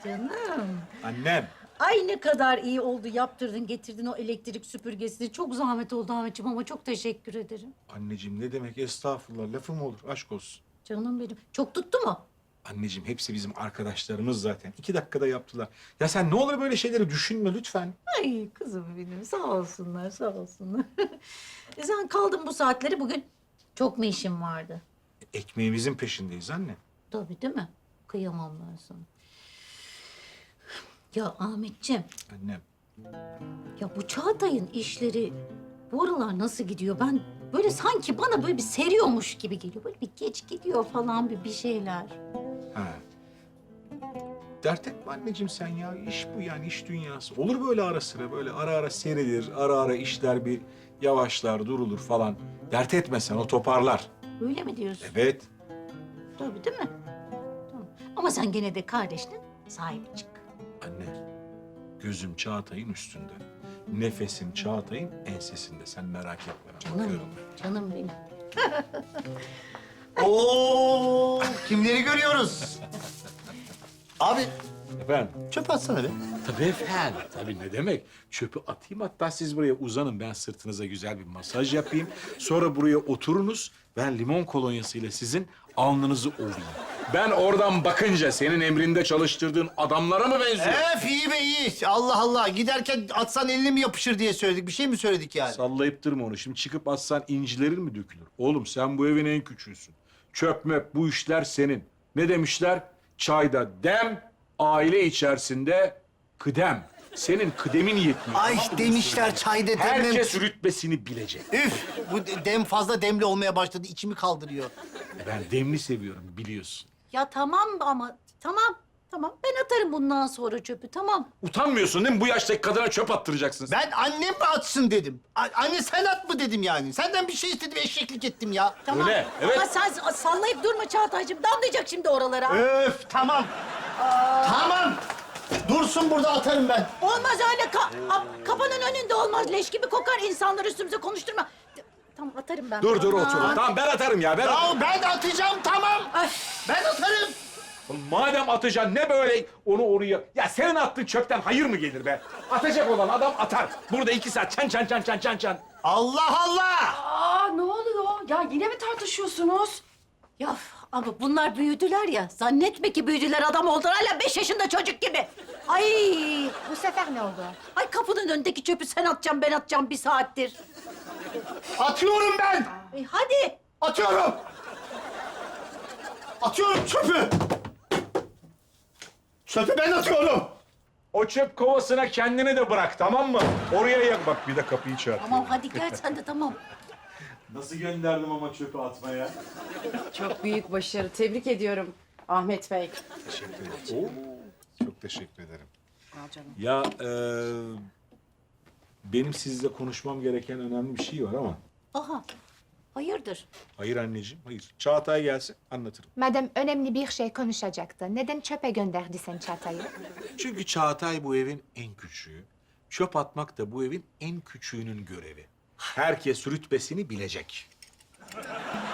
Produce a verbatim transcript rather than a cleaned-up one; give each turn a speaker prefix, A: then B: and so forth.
A: Canım.
B: Annem.
A: Ay ne kadar iyi oldu yaptırdın getirdin o elektrik süpürgesini. Çok zahmet oldu Ahmetciğim ama çok teşekkür ederim.
B: Anneciğim ne demek estağfurullah lafım olur aşk olsun.
A: Canım benim. Çok tuttu mu?
B: Anneciğim hepsi bizim arkadaşlarımız zaten. İki dakikada yaptılar. Ya sen ne olur böyle şeyleri düşünme lütfen.
A: Ay kızım benim sağ olsunlar sağ olsunlar. e sen kaldın bu saatleri bugün. Çok mu işin vardı?
B: Ekmeğimizin peşindeyiz anne.
A: Tabii değil mi? Kıyamam ben sana. Ya Ahmetciğim,
B: Annem.
A: ya bu Çağatay'ın işleri bu aralar nasıl gidiyor? Ben böyle sanki bana böyle bir seriyormuş gibi geliyor. Böyle bir geç gidiyor falan bir, bir şeyler.
B: Ha. Dert etme anneciğim sen ya. İş bu yani iş dünyası. Olur böyle ara sıra böyle ara ara serilir. Ara ara işler bir yavaşlar durulur falan. Dert etme sen o toparlar.
A: Öyle mi diyorsun?
B: Evet.
A: Tabii değil mi? Tamam. Ama sen gene de kardeşine sahip çık.
B: Anne, gözüm Çağatay'ın üstünde. Nefesim Çağatay'ın ensesinde. Sen merak etme. Ben
A: Canım
B: bakıyorum.
A: benim, canım benim.
C: Oo, kimleri görüyoruz? Abi
B: Efendim?
C: çöp atsana be.
B: Tabii efendim. Tabii ne demek? Çöpü atayım hatta siz buraya uzanın. Ben sırtınıza güzel bir masaj yapayım. Sonra buraya oturunuz. Ben limon kolonyasıyla sizin alnınızı ovayım. Ben oradan bakınca senin emrinde çalıştırdığın adamlara mı benziyor?
C: Ef iyi be iyi. Allah Allah. Giderken atsan eline mi yapışır diye söyledik. Bir şey mi söyledik yani?
B: Sallayıp durma onu. Şimdi çıkıp atsan incilerin mi dökülür? Oğlum sen bu evin en küçüğüsün. Çöp möp bu işler senin. Ne demişler? Çayda dem, aile içerisinde kıdem. Senin kıdemin yetmiyor.
C: Ay
B: tamam mı?
C: demişler çayda demlem.
B: Herkes rütbesini bilecek.
C: Üf bu dem fazla demli olmaya başladı. İçimi kaldırıyor.
B: Ben demli seviyorum biliyorsun.
A: Ya tamam ama tamam tamam ben atarım bundan sonra çöpü tamam.
B: Utanmıyorsun değil mi? Bu yaştaki kadına çöp attıracaksın.
C: Ben annem mi atsın dedim. A- anne sen at mı dedim yani. Senden bir şey istedim eşeklik ettim ya.
A: Tamam.
B: Öyle, evet.
A: Ama sen sallayıp durma Çağatay'cığım. Damlayacak şimdi oralara.
C: Öf tamam. Tamam. Dursun burada atarım ben.
A: Olmaz öyle. Ka- a- kapının önünde olmaz. Leş gibi kokar. İnsanları üstümüze konuşturma. T- Tamam atarım ben.
B: Dur dur
A: Tamam.
B: otur. Tamam ben atarım ya. Ben atarım.
C: Ya ben atacağım tamam.
A: Ay.
C: Ben atarım.
B: Madem atacaksın ne böyle onu oraya... Ya senin attığın çöpten hayır mı gelir be? Atacak olan adam atar. Burada iki saat çan çan çan çan çan çan.
C: Allah Allah.
D: Aa ne oluyor? Ya yine mi tartışıyorsunuz?
A: Ya ama bunlar büyüdüler ya. Zannetme ki büyüdüler adam oldular. Hala beş yaşında çocuk gibi. Ay.
D: Bu sefer ne oldu?
A: Ay kapının önündeki çöpü sen atacaksın ben atacağım bir saattir.
C: Atıyorum ben.
A: Ay, hadi.
C: Atıyorum. Atıyorum çöpü. Çöpü ben atıyorum.
B: O çöp kovasına kendini de bırak tamam mı? Oraya yak bak bir de kapıyı çarptı.
A: Tamam hadi gel sen de tamam.
B: Nasıl gönderdim ama çöpü atmaya?
D: Çok büyük başarı. Tebrik ediyorum Ahmet Bey.
B: Teşekkür ederim. Oo, çok teşekkür ederim.
D: Al canım.
B: Ya e, benim sizle konuşmam gereken önemli bir şey var ama.
A: Aha. Hayırdır?
B: Hayır anneciğim, hayır. Çağatay gelsin, anlatırım.
E: Madem önemli bir şey konuşacaktı. Neden çöpe gönderdi sen Çağatay'ı?
B: Çünkü Çağatay bu evin en küçüğü. Çöp atmak da bu evin en küçüğünün görevi. Herkes rütbesini bilecek.